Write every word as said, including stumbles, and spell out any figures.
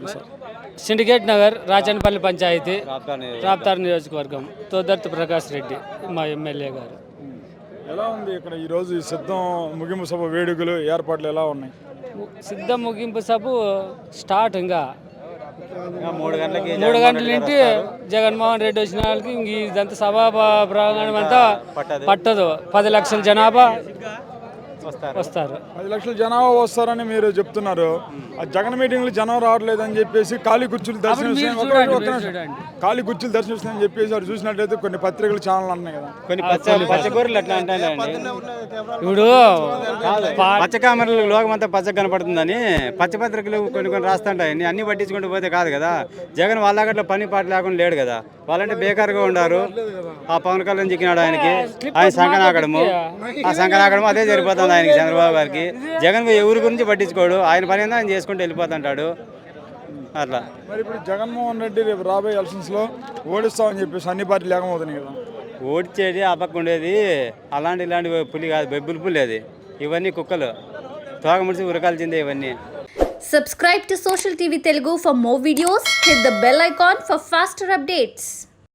Sir syndicate Nagar Rajanpalli panchayati Raptar నియోజకవర్గం తోదర్తి ప్రకాష్ రెడ్డి మా MLA గారు. ఎలా ఉంది ఇక్కడ ఈరోజు ఈ సిద్ధం ముగింపు సభ వేడుకలు ఏర్పాట్లు ఎలా ఉన్నాయి? సిద్ధం ముగింపు సభ స్టార్ట్ ఇంకా మూడు గంటలకి మూడు గంటల నుండి జగన్మోహన్ రెడ్డి వచ్చిన వాళ్ళకి ఇంక ఇదంతా సభా ప్ర- ప్రాంగణం అంతా పట్టదు. పది లక్షల జనాభా వస్తారు. పది లక్షల జనాభా వస్తారని మీరు చెప్తున్నారు. ఆ జగన్ మీటింగ్లు జనం రావట్లేదు అని చెప్పేసి ఖాళీ కుర్చీలు దర్శనం మీరు ఒక- చూడండి, ఒక్క మీరు నిమిషం. చూడండి. ఖాళీ కుర్చీలు దర్శనిస్తాయని చెప్పేసి వారు చూసినట్లయితే కొన్ని పత్రికలు ఛానల్ అన్నాయి కదా. కొన్ని పచ్చ పచ్చకూరలు ఎట్లా అంటారండి, ఇప్పుడు పా- పచ్చ కామెరలు లోకమంతా పచ్చగా కనపడుతుందని పచ్చపత్రికలు కొన్ని కొన్ని రాస్తుంటాయి. అన్ని పట్టించుకుంటూ పోతే కాదు కదా. జగన్ వాళ్ళగట్ల పని పాట లేకుండా లేడు కదా. వాళ్ళంటే బేకారుగా ఉండారు. ఆ పవన్ కళ్యాణ్ చిక్కినాడు ఆయనకి, ఆయన సంకనాకడము ఆ సంకనాకడము అదే సరిపోతుంది ఆయనకి, చంద్రబాబు గారికి. జగన్ ఎవరి గురించి పట్టించుకోడు, ఆయన పని ఏందో ఆయన చేసుకుంటూ వెళ్ళిపోతుంటాడు అట్లా. మరి ఇప్పుడు జగన్మోహన్ రెడ్డి రేపు రాబోయే ఎలక్షన్స్ లో ఓడిస్తామని చెప్పేసి అన్ని పార్టీలు ఏకమవుతున్నాయి కదా. ఓడిచేది ఆ పక్క ఉండేది అలాంటి ఇలాంటి పులి కాదు, బెబ్బులు పులి అది. ఇవన్నీ కుక్కలు తోక ముడిచి ఉరకాల్సిందే ఇవన్నీ. Subscribe to Social T V Telugu for more videos. Hit the bell icon for faster updates.